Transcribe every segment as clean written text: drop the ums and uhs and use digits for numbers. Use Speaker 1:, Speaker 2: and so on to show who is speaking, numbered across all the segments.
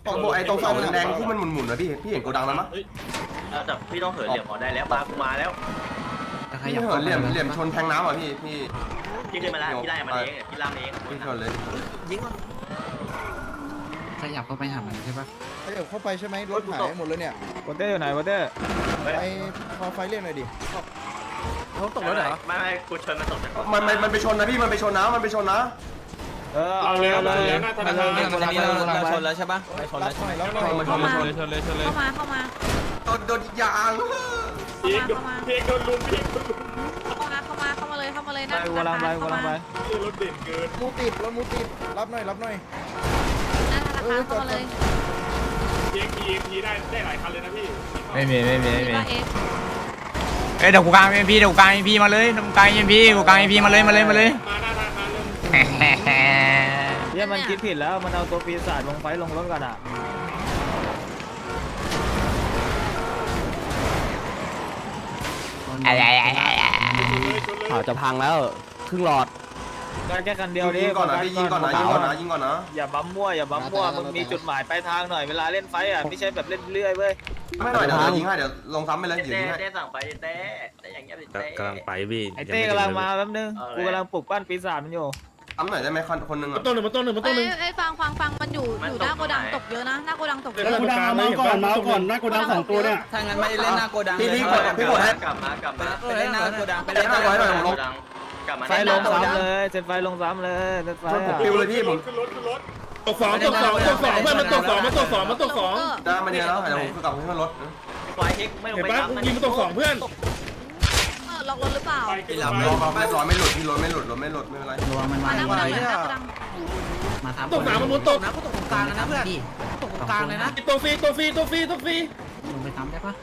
Speaker 1: ไอ้ตรงเสาแดงที่มันหมุนๆนะพี่เห็นโกดังแล้วมั้ย
Speaker 2: แต่พี่ต้องเหินเหลี่ยมออกได้แล้วมาแล้ว
Speaker 1: พี่เหินเหลี่ยมชนแทงน้ำอ่ะพี่
Speaker 2: พี่ขึ้นมาแล้วพี่ไล่มันเองพี่ล่างเอง
Speaker 1: พี่ชนเลย
Speaker 2: ยิงมัน
Speaker 3: ขยับเข้าไปหามันใช่ปะ
Speaker 4: ขยับเข้าไปใช่ไหมรถหายหมดเลยเนี่ยว
Speaker 5: อเตอร์อยู่ไหนวอเตอร์
Speaker 4: ไปพอไฟเรียกหน่อยดิ
Speaker 2: เขาตกรถเหรอไม่กูชนมันตกจากรถ
Speaker 1: มันไปชนนะพี่มันไปชนนะ
Speaker 5: เอาเลยเอาเลย
Speaker 3: เราชนแล้วใช่ปะ
Speaker 4: รับหน่อยรับหน่อย
Speaker 1: มันชนเลย
Speaker 6: เข้ามา
Speaker 1: โดนยาง
Speaker 6: เข้ามาเลยเข้ามาเลย
Speaker 5: ไปกูลังไปกูลังไป
Speaker 4: มูติดรถมูติดรับหน่อยรับหน่อย
Speaker 6: หน้าธนาคารเข้ามาเลย
Speaker 7: ไม่มี
Speaker 6: ว่า
Speaker 7: เอ้ยเดี๋ยวกูกลางเอ็มพีมาเลยกูกลางเอ็มพีมาเลย
Speaker 5: เนี่ยมันคิดผิดแล้วมันเอาตัวปีศาจลงไฟลงรถกันอ่ะ
Speaker 3: จะพังแล้วครึ่งหลอด
Speaker 5: แค่คันเดียวดิ
Speaker 1: ยิงก่อนนะ
Speaker 5: อย่าบั๊มมั่วมึงมีจุดหมายปลายทางหน่อยเวลาเล่นไฟอ่ะไม่ใช่แบบเล่นเรื่อยเว้ย
Speaker 1: ไม่หน่อยเดี๋ยวยิงให้เดี๋ยวลงซ้ำไปเลยยิงให้
Speaker 2: เต้สั่งไปเต้อย่างเงี้ยเต้
Speaker 8: กำลังไปพี่
Speaker 5: ไอเต้กำลังมาแป๊บนึงกูกำลังปลุกปั้นปีศาจมันอยู่
Speaker 1: ซ้ำหน่อยได้ไหมคนนึงอ่ะ
Speaker 6: เอ้ยฟังมันอยู่หน้าโกดังตกเยอะนะหน้าโกดังตกเยอะ
Speaker 9: โกดังมาก่อนหน้าโกดัง2ตัวเนี่ย
Speaker 3: ถ้างั้นไม่เล่นหน้าโกดัง
Speaker 1: พี่กดให้
Speaker 2: กลับมา
Speaker 3: ไปเล่นหน้าโกดังไป
Speaker 1: เล่
Speaker 3: เล่
Speaker 1: น
Speaker 3: น
Speaker 1: ห
Speaker 3: ห
Speaker 1: น้า
Speaker 3: น้า
Speaker 1: โก
Speaker 3: โก
Speaker 1: ดั
Speaker 3: ดั
Speaker 1: ง
Speaker 3: ง
Speaker 2: กลับมา
Speaker 5: ไฟลงซ้ำเลยเซตไฟลงซ้ำเลยเซตไฟ
Speaker 1: ชนผมปิวเลยพี่ผม
Speaker 9: ตกสองเพื่อนมันตกสองมันตกสอง
Speaker 1: ได้มันเยอะแล้วเดี๋ยวผมกลับให้มันลด
Speaker 2: ไฟเฮกไม่ลง
Speaker 9: เห็น
Speaker 2: ไป
Speaker 9: ปะยิงมันตกสองเพื่อน
Speaker 6: ล็อกรถหรือเปล่า
Speaker 1: เรียบร้อยไม่หลุดพี่รถไม่หลุดไม่เป็นไร
Speaker 3: ระวังมัน
Speaker 6: มา
Speaker 3: มา
Speaker 6: หน้าโกดังหน้าโกดัง
Speaker 3: มาทำ
Speaker 9: ตกสามมันตก
Speaker 3: นะก็ตกตรงกลางนะเพื่อนตกตรงกลางเลยนะ
Speaker 9: ตัวฟรี
Speaker 3: ลงไปทำได้ปะ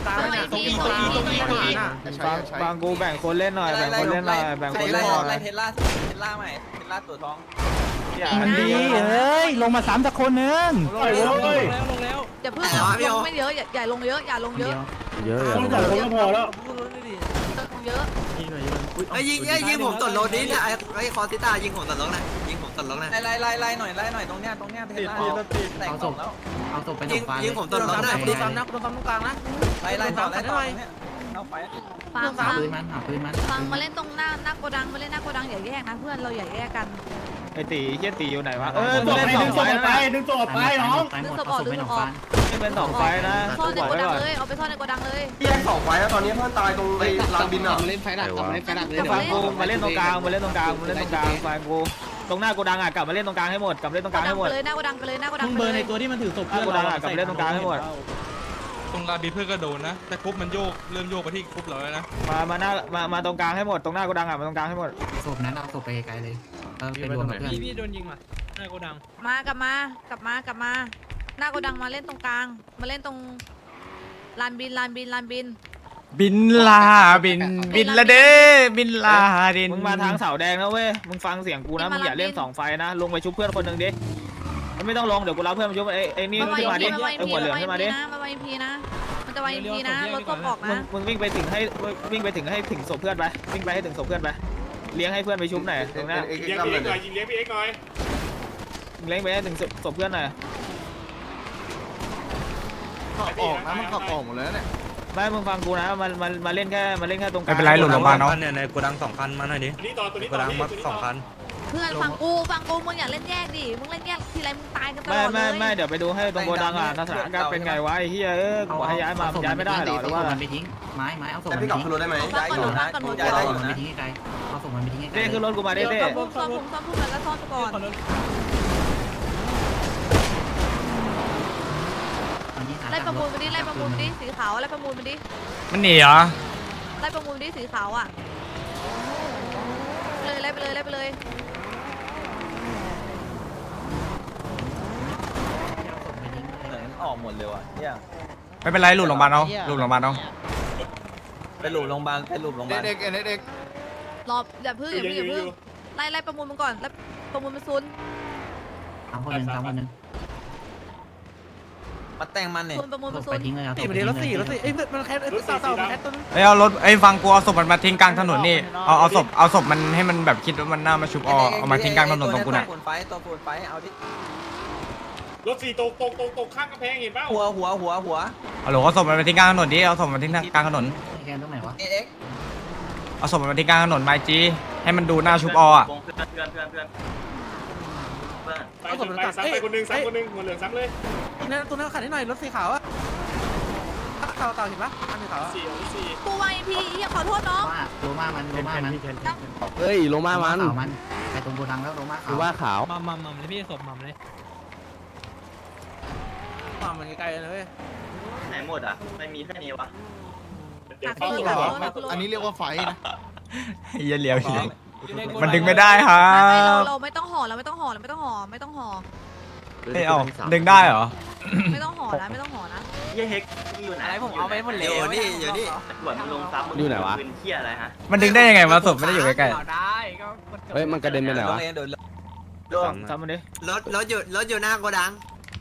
Speaker 5: บางกูแบ่งคนเล่นหน่อยแบ่งคนเล่นหน่อยแบ่งคนเล่นหน่อย
Speaker 3: ไล่เทสลาใหม่เทสลาตัวทอง
Speaker 5: มันดี
Speaker 3: เฮ้ยลงมา3สักคนนึง
Speaker 9: ปล่อยเลย
Speaker 6: อย่าเพิ่งลงไม่เยอะอย่าลงเยอะอย่าลงเยอะ
Speaker 9: คนสองคนก็พอแล้ว
Speaker 6: ลงเยอะ
Speaker 3: ยิงผมตดรถนี้เนี่ยไอ้คอติต้ายิงผมตดรถนะยิงผมตดรถนะไล่หน่อยตรงเนี้ยเทสลาเอาศพไปหนองฟ้ายิงผมตดรถนะดูซ้ำนะดูซ้ำตรงกลางนะไล่ต่อเอาไป
Speaker 6: ฟัง
Speaker 3: หาปืนมัน
Speaker 6: ฟังมาเล่นตรงหน้าโกดังมาเล่นหน้าโกดังอย่าแยกนะเพื่อนเราอย่าแยกกัน
Speaker 5: ไอตีเฮียตีอยู่ไหนวะ
Speaker 9: ดึงศพไปน้อง
Speaker 6: ดึงศพออกดึงศพออก
Speaker 5: นี่เป็น2ไฟนะ
Speaker 6: ซ่อนในโกดังเลยเอาไปซ่อนในโกดังเลย
Speaker 1: แยก2ไฟแล้วตอนนี้เพื่อนตายตรงไอ้ลานบินอ่ะ
Speaker 3: เล่นไฟหลักเล่นไฟหลักเลย
Speaker 5: ฟังกูมาเล่นตรงกลางฟังกูตรงหน้าโกดังอ่ะกลับมาเล่นตรงกลางให้หมดกลับเล่นตรงกลางให้หมด
Speaker 6: เลยหน้าโกดังไปเลยหน้าโกดัง
Speaker 3: มึง
Speaker 6: ไป
Speaker 3: เบอร์
Speaker 6: เล
Speaker 3: ใน
Speaker 6: ย
Speaker 3: ตัวที่มันถือศพ
Speaker 5: หน้าโกดังอ่ะกลับเล่นตรงกลางให้หมด
Speaker 8: ตรงลาบีเพื่อนก็โดนนะ แต่กรุ๊ปมันเริ่มโยกไปที่กรุ๊ปเราแล้วนะ
Speaker 5: มาตรงกลางให้หมดตรงหน้าโกดังอ่ะมาตรงกลางให้หมด
Speaker 3: ศพนั้นเอาศพไปไกลเลยไปรวมกับเพื่อน
Speaker 8: พี่โดนยิงมาหน้าโกดัง
Speaker 6: มากลับมาหน้าโกดังมาเล่นตรงกลางมาเล่นตรงลานบิน
Speaker 7: บินลาบินละเด้บินลาดิน
Speaker 5: มึงมาทางเสาแดงนะเว้ยมึงฟังเสียงกูนะมึงอย่าเล่น2ไฟนะลงไปชุบเพื่อนคนหนึ่งดิไม่ต้องลงเดี๋ยวกูรับเพื่อนมาชุบไอ้นี่ขึ้นมาดิไอ้หัวเหลืองขึ้นมาดิ
Speaker 6: มาไวพีนะมันจะไวพีนะรถศพออกนะ
Speaker 5: มึงวิ่งไปถึงศพเพื่อนไปวิ่งไปให้ถึงศพเพื่อนไปเลี้ยงให้เพื่อนไปชุบหน่อยตรงนี้
Speaker 9: ยิงเลี้ยงพี่เอ็กหน่อยยิงเลี้ยงพี่เอ็กหน่อย
Speaker 5: เลี้ยงไปให้ถึงศพเพื่อนหน่อย
Speaker 4: ออกนะมันขับออกหมดเลยเนี่ย
Speaker 5: ไม่มึงฟังกูนะมาเล่นแค่ตรงกลาง
Speaker 7: ไม่เป็นไรหลุดลงมาเนาะ
Speaker 8: เนี่ยในโกดัง2 คันมาหน่อยดิ
Speaker 9: ตัวนี้
Speaker 8: โกดังมา2 คัน
Speaker 6: เพื่อนฟังกูมึงอย่าเล่นแยกดิมึงเล่นแยกทีไรมึงตายกันตลอดเลย
Speaker 5: ไม่เดี๋ยวไปดูให้ตรงโกดังอ่ะสถานการณ์เป็นไงวะไอ้เหี้ยกูให้ย้ายมาย้ายไม่ได้หรอหรือว่า
Speaker 3: มันไปทิ้งไม้เอาศพ
Speaker 1: แต่
Speaker 3: มัน
Speaker 1: พี่กลับขึ้นรถได้ไหม
Speaker 6: ฟังก่อนหนูฟังก่อนหนู
Speaker 3: เอาศพมันไปทิ้งไกลเอาศพมันไปทิ้งไกล
Speaker 5: เต้ขึ้นรถกูมาเต้
Speaker 6: ซ่อมพุ่มแล้วซ่อนไปก่อน ไล่ประมูลมาดิสีขาวไล่ประมูลมาดิ
Speaker 7: มันหนีเหรอ
Speaker 6: ไล่ประมูลมาดิสีขาวอ่ะไล่ไปเลย
Speaker 3: ออกหมดเลยว่ะเนี่ย
Speaker 7: ไม่เป็นไรหลุดลงมาเนาะหลุดลงมาเนาะ
Speaker 3: ไปหลุมโรงพยาบาล
Speaker 4: เด็ก
Speaker 6: รออย่าพึ่งไล่ประมูลมันก่อนไล่ประมูลมันซุน
Speaker 3: 3 คนนึงมาแต่งมันเนี่ย
Speaker 6: ซุนประมูลมันซุ
Speaker 3: ไป
Speaker 6: น
Speaker 3: ทิ้งเลยเอาศพไปทิ้งเลย
Speaker 9: เอ้ยมันแค่มันแค่ตัว
Speaker 7: เอ้ยเอารถฟังกูเอาศพมันมาทิ้งกลางถนนนี่เอาศพมันให้มันแบบคิดว่ามันน่ามาชุบเอามาทิ้งกลางถนนตรงกูน่ะ
Speaker 3: ตัวปูนไฟเอาดิ
Speaker 9: รถ4ตกข้างกำแพงเห็นเปล่า
Speaker 3: หัว
Speaker 7: เอาหลงเอาศพมันไปทิ้งกลางถนนดิเอาศพมันทิ้งกลางถนน
Speaker 3: แกนตรงไหนวะ
Speaker 7: เอาศพมันไปทิ้งกลางถนนไมจีให้มันดูหน้าชุบออ่ะ
Speaker 2: เพื่อน
Speaker 9: ไปซ้ำไปคนนึงหัวเหลืองซ้ำเลย
Speaker 3: นั่นตัวนั้นขัดให้หน่อยรถสีขาวอะขาวเห็นปะอันสีขาว
Speaker 2: 4
Speaker 6: กูวายพี่อย่าขอโทษน้อง
Speaker 3: โลมามัน
Speaker 4: เฮ้ยลงมามัน
Speaker 3: ไปตรงโกดังแล้วโลมาขาว
Speaker 4: ดูว่าขาว
Speaker 5: มัมเลยพี่ศพมัมเลย
Speaker 3: มันไกลๆเลย
Speaker 2: ไหนหมดอ่ะไม่มีแค่นี้วะ
Speaker 9: เดี๋ยว
Speaker 6: ตั
Speaker 9: เข้าก
Speaker 6: รถ
Speaker 9: ก่อน
Speaker 4: อันนี้เรียกว่าไฟนะ
Speaker 7: เหี้ยเลี้ยวมันดึงไม่ได้ครั
Speaker 6: เรา
Speaker 7: บ
Speaker 6: ไม่ต้องห่อเราไม่ต้องห่อเราไม่ต้องห่อไม่ต้องห่อ
Speaker 7: เฮ้ยเอาดึงได้เหรอ
Speaker 6: ไม่ต้องห่อนะไม่ต้องห่อนะ
Speaker 2: เหี้ยเฮกอยู่ไหน
Speaker 3: ผมเอาไปหมดเลยอยู่นี่
Speaker 2: เหมือนมึงลงซับมึง
Speaker 4: อยู่ไหนวะ
Speaker 2: ปืนเหี้ยอะไรฮะ
Speaker 7: มันดึงได้ยังไงวะศพไม่ได้อยู่ใกล้
Speaker 3: ได้ก็
Speaker 4: เฮ้ยมันกระเด็นไปไหนวะ
Speaker 5: ทำมันดิ
Speaker 3: รถอยู่หน้าโกดัง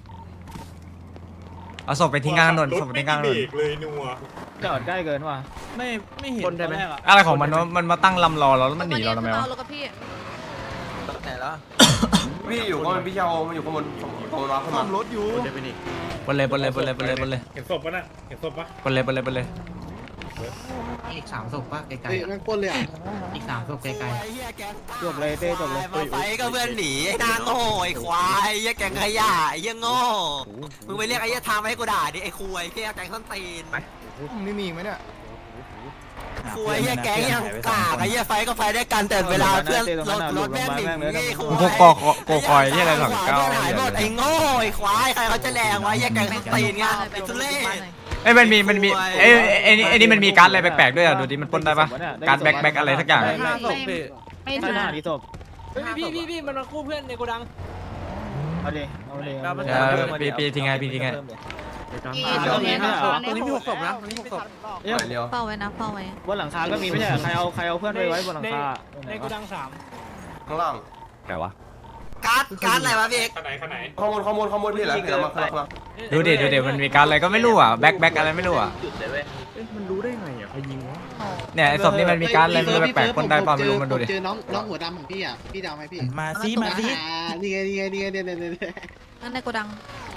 Speaker 7: ๆเอาศพไปทิ้งกลางถนนศพไปทิ้งกลางถนน
Speaker 9: เลยนัว
Speaker 5: จอดใกล้เกินว่ะไม่เห็นได้ไหม
Speaker 7: อะไรของมันวะมันมาตั้งลำรอเราแล้วมันหนีเราทำไมวะ
Speaker 6: รถกับพี่
Speaker 3: ไหนแล้ว
Speaker 1: พี่อยู่ข้างบนพี่เชามันอยู่ข้างบนข้างบนวะข้างบ
Speaker 4: ซ่อน มรถอยู่
Speaker 7: บนเลยบนเลยบนเลยบนเลยบนเลย
Speaker 9: เห็นศพปะน่ะเห็นศพปะ
Speaker 7: บนเลยบนเลยบนเลย
Speaker 3: อีก3ศพป่ะไกล
Speaker 4: เฮ้ยแม่งปล้นเลยอ่ะ
Speaker 3: ๆอีก3ศพไกล
Speaker 5: จบเลยเต้จบเลย
Speaker 3: ๆไฟก็เพื่อนหนีไอ้นางโง่ไอ้ควายไอ้แกงขยะไอ้โง่มึงไปเรียกไอ้ทามให้กูด่าดิไอ้คุยแค่แกงส้นตีน
Speaker 4: นี่มีอีกไหมเนี่ย
Speaker 3: คุยไอ้แกงยังกากไอ้ไฟก็ไฟได้กันแต่เวลาเพื่อนรถแม่งหนีไอ้คุย
Speaker 7: พวกกอคอยที่อะไรหลังเก้า
Speaker 3: หายหมดไอ้โง่ไอ้ควายใครเขาจะแรงวะไอ้แกงส้นตีนไงไอ้ทุเล่
Speaker 7: เอ้ยมันมีเอ้ยไอ้นี่มันมีการ์ดอะไรแปลกๆด้วยอ่ะดูดิมันปล้นได้ปะการ์ดแบ็คอะไรสักอย่าง
Speaker 6: ไม่
Speaker 5: ไม่
Speaker 6: ถึง
Speaker 5: น่าดีศพ
Speaker 3: พี่มันมาคู่เพื่อนในโกดัง
Speaker 5: เอาดิเอาดิ
Speaker 7: ปีทิ้งไงปีทิ้งไง
Speaker 5: ตรงนี้มี6ศพนะ
Speaker 1: เร็ว
Speaker 6: เฝ้าไว้นะเฝ้าไว้
Speaker 5: บนหลังคาก็มีไม่ใช่ใครเอาเพื่อนไปไว้บนหลังคาในกูดัง
Speaker 1: ข้างล่าง
Speaker 4: ไหนวะ
Speaker 3: การ์ดอะไรวะพี่เอก
Speaker 9: ข้างไหน
Speaker 1: ข้างบนพี่เหรอเห็นแล้วมาข้างล่าง
Speaker 7: ดูดิมันมีการ์ดอะไรก็ไม่รู้อ่ะแบ็คอะไรไม่รู้อ่ะ
Speaker 2: จุดเลยเว้ย
Speaker 4: มันรู้ได้ไงอ่ะใครยิงวะ
Speaker 7: เนี่ยไอ้ศพนี่มันมีการ์ดอะไรไม่รู้แปลกๆปล้นได้ป่ะไม่รู้มันดูดิ
Speaker 10: เจอน้องหัวดำของพี่อ่ะ พี่ดาวไหมพี่
Speaker 5: มาซิมาซิ
Speaker 10: นี่ไงเนี่ย
Speaker 6: นั่นในโกดัง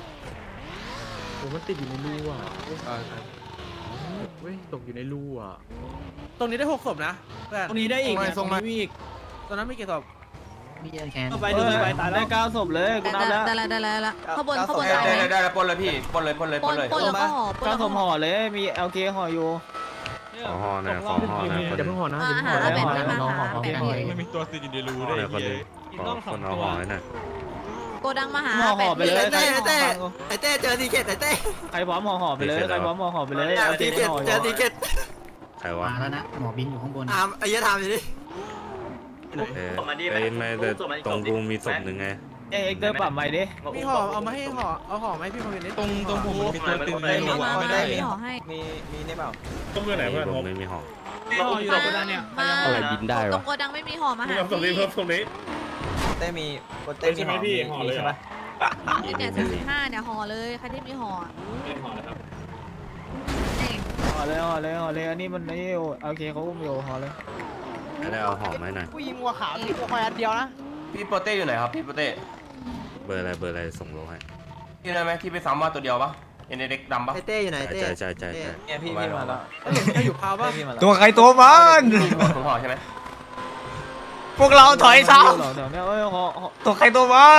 Speaker 4: มันติดอยู่ในรูอ่ะเว้ยตกอยู่ในรูอ่ะ
Speaker 3: ตรงนี้ได้6ศพนะเพื่อน
Speaker 5: ตรงนี้ได้อีก
Speaker 4: ส่งมา
Speaker 5: มีอีก
Speaker 3: ตอนนั้นมีกี่ศพ
Speaker 10: มีเยอะแคน
Speaker 5: ไปดูไปตายได้9ศพเลยกูนับแล้ว
Speaker 6: ได้แล้วข้างบนได้
Speaker 1: ได้แล้วปล้นเลยพี่ปล้นเลย
Speaker 6: ปนแล้วก็ห่อปน
Speaker 5: 9
Speaker 6: แล้ว
Speaker 5: ศ
Speaker 6: ก็
Speaker 5: พ
Speaker 6: ห่
Speaker 5: ห่
Speaker 6: อ
Speaker 5: อเลยมีเอลเคห่ออยู่
Speaker 4: ห่อหน่อยห่อหน่อย
Speaker 10: อย่าเพิ่งห่อนะ
Speaker 6: หาแบบนี้มาหาแบบนี้
Speaker 8: ไม่มีตัวติดอยู่ในรูด้วยไอ้เหี้ย
Speaker 4: คนเอาห่อหน่อย
Speaker 6: โกดังมาหา
Speaker 5: ห่อไปเลย
Speaker 3: ไอ้เต้เจอทีเกตไอ้เต้
Speaker 5: ใครพร้อมห่อไปเลยใครพร้อมห่อไปเลย
Speaker 3: ทีเกตเจอทีเกต
Speaker 4: ใครวะ
Speaker 10: มาแล้วนะ หมอบินอยู่ข้างบน
Speaker 3: ไอ้ยะทำอยู่ดิ
Speaker 2: ส่งมาดิ
Speaker 4: ไอ้ไม่แต่ตรงกูมีศพหนึ่งไง
Speaker 5: เอ็กเตอร์ปรับใหม่ดิ
Speaker 3: มีห่อเอามาให้ห่อเอาห่อไหมพี่มาเป็นนิด
Speaker 8: ตรงผมมันมีตัวติดอยู่ในรูอะไม่ได้
Speaker 6: มีห่อให้
Speaker 3: มีนี่เปล่า
Speaker 9: ต้องเพื่อนไหนเพื่อน
Speaker 4: ผมไม่มีห่อ
Speaker 5: ห่ออยู่ตรงนั้นเนี่ย
Speaker 6: มา
Speaker 4: อะไรบินได้วะ
Speaker 6: ตรงโกดังไม่มีห่อมาหา
Speaker 9: เพิ่มศพนี้เพิ่มศพนี้
Speaker 3: เต้มี
Speaker 9: ใช่ไหมพี่ห่อเลยใช่ไหม
Speaker 6: ที่เนี่ย45เนี่ยห่อเลยใครที่มีห่อ
Speaker 9: ห่อเลยครับ
Speaker 5: ห่อเลยอันนี้มันนี่โอเคเขาอุ้มอยู่ห่อเลย
Speaker 4: ไม่ได้เอาห่อไหมหน่อย
Speaker 10: ผู้ยิงวัวขาวที่ควายอันเดียวนะ
Speaker 1: พี่โปเต้อยู่ไหนครับพี่โปเต้
Speaker 4: เบอร์อะไรส่งโลให้
Speaker 1: ที่ได้ไหมที่ไปซ้ำมาตัวเดียวปะเห็นเด็กดำปะ
Speaker 3: ไอ้เต้อยู่ไหนเต้
Speaker 4: ใช่
Speaker 3: เนี่ยพี่มาแล้วอยู่พาวป่ะ
Speaker 7: ตัวใครตัวมัน
Speaker 1: ผมห่อใช่ไหม
Speaker 7: พวกเราถอยซ้
Speaker 5: เดี๋ยวเนี่ยห่อ
Speaker 7: ำตัวใครตัวมัน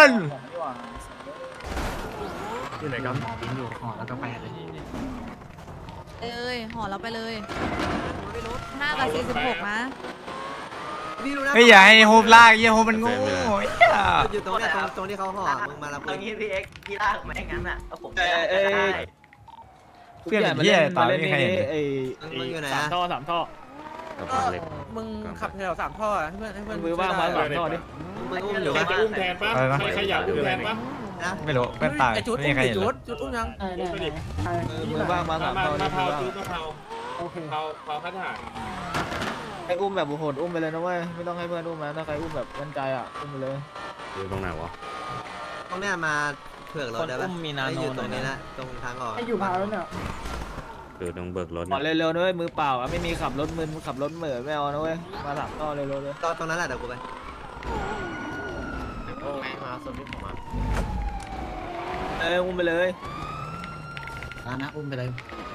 Speaker 4: อยู่ไหนกัน
Speaker 10: หมอบินอยู่ห่อแล้วก็ไปเลย
Speaker 6: เลยห่อเราไปเลย5กับ46นะ
Speaker 3: พี่รู้นะ
Speaker 7: ไม่อย่าให้โฮมลากโฮมมันโง่
Speaker 3: อยู่ตรงนี้ตรงที่เขาห่อมึงมารับ
Speaker 2: เอางี้พี่เอ็กพี่ลากไม่งั้นอ่ะเอาผม
Speaker 7: เพื่อนเป็นเหี้ยตายไม่มีใครเห็น
Speaker 3: มึงอยู่ไหน
Speaker 5: 3 ท่อ 3 ท่อ
Speaker 4: กับบ้านเล็ก
Speaker 3: มึงขับแถว3ท่อให้เพื่อน
Speaker 5: มือว่างมา3ท่อดิ
Speaker 3: มึงอุ้มอยู่
Speaker 9: ใคร
Speaker 3: ปะ
Speaker 9: จะอุ้มแทนปะใครอยากอุ้มแทนปะ
Speaker 7: ไม่รู้เพื่อนตายไม่มีใครเห็นเลย
Speaker 3: จุดอุ้มยัง
Speaker 5: มือว่างมา3ท่อดิ
Speaker 9: มาเผาจุดมาเผาเผาข้าทหาร
Speaker 5: ไอ้อุ้มแบบโหดอุ้มไปเลยนะเว้ยไม่ต้องให้เพื่อนอุ้มนะถ้าใครอุ้มแบบมั่นใจอ่ะอุ้มไปเลย
Speaker 4: อยู่ตรงไหนวะ
Speaker 3: ตรงเนี้ยมาเผือกรถได้ปะอยู่ตรงนี้นะตรงทางออก
Speaker 10: อยู่พาวแล้วเนี่ย
Speaker 4: อยู่ตรงเบิกรถ
Speaker 5: ขอเร็วๆด้วยมือเปล่าอ่ะไม่มีขับรถมึนขับรถเหม่อไม่เอานะเว้ยมา3ท่อเร็วๆเลย
Speaker 3: ตรงนั้นแหละเดี๋ยวกูไป
Speaker 2: ไ
Speaker 5: อุ้มไปเลย
Speaker 10: นะอุ้มไปเลย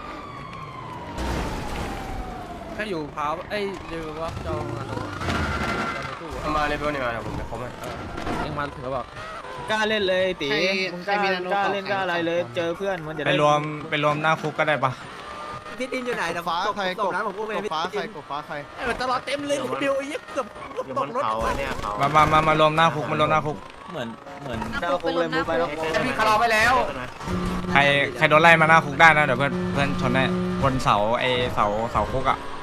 Speaker 3: ถ้าอยู่พาวเอ้ยเดี๋ยวว่าเจ้ามาโน
Speaker 1: มาเลยเพื่อนนี่มาเดี๋ยวผมไปครบให้
Speaker 3: เองมาถึงก็บอก
Speaker 5: กล้าเล่นเลยตีมึงกล้าเล่นกล้าอะไรเลยเจอเพื่อนมันจะ
Speaker 7: ไป
Speaker 5: ได้
Speaker 7: รวมหน้าคุกก็ได้ปะ
Speaker 3: พี่ตินอยู่ไหนแต่ฟ้าใครกบน้ำผมพูดไปพี่ติน
Speaker 10: มันตลอดเต็มเลยเดียวเย็บเกือบ
Speaker 2: อยู่บนเขาอะเนี่ยเขา
Speaker 7: มารวมหน้าคุกมารวมหน้าคุก
Speaker 5: เหมือน
Speaker 6: หน้าคุกไปรวมหน้าคุก
Speaker 1: พี่คาราไปแล้ว
Speaker 7: ใครโดนไล่มาหน้าคุกได้นะเดี๋ยวเพื่อนชนได้บนเสาคุกอ่ะ